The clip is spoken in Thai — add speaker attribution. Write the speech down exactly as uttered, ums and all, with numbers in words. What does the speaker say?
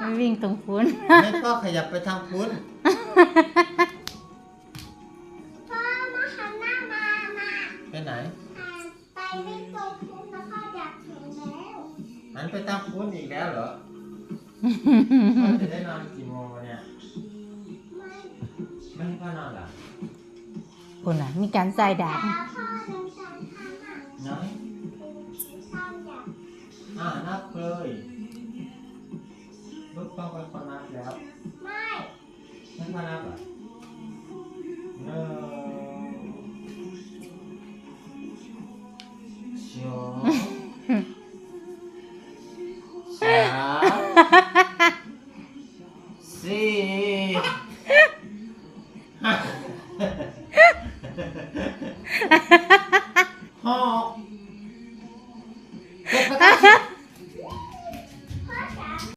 Speaker 1: ไม่วิ่งตรงพุ้น
Speaker 2: ให้พ่อขยับไปทางพุ้น
Speaker 3: พ่อมาหันหน้ามามา
Speaker 2: ไปไหน
Speaker 3: หันไปวิ่งตรงพุ้นแล้วพ่ออยากถึงแล้ว
Speaker 2: หันไปทางพุ้นอีกแล้วเหรอพ่อจะได้นอนกี่โมงวะเนี่ย
Speaker 3: ไม่
Speaker 2: ไม่ให้พ่อนอนเหรอ
Speaker 1: คุณน่ะมีการใส่ดาบ
Speaker 3: แล้วพ่อเดินสายทางอ่ะ
Speaker 2: น้อย
Speaker 3: พ่ออยาก
Speaker 2: อ่านับเลย
Speaker 3: ห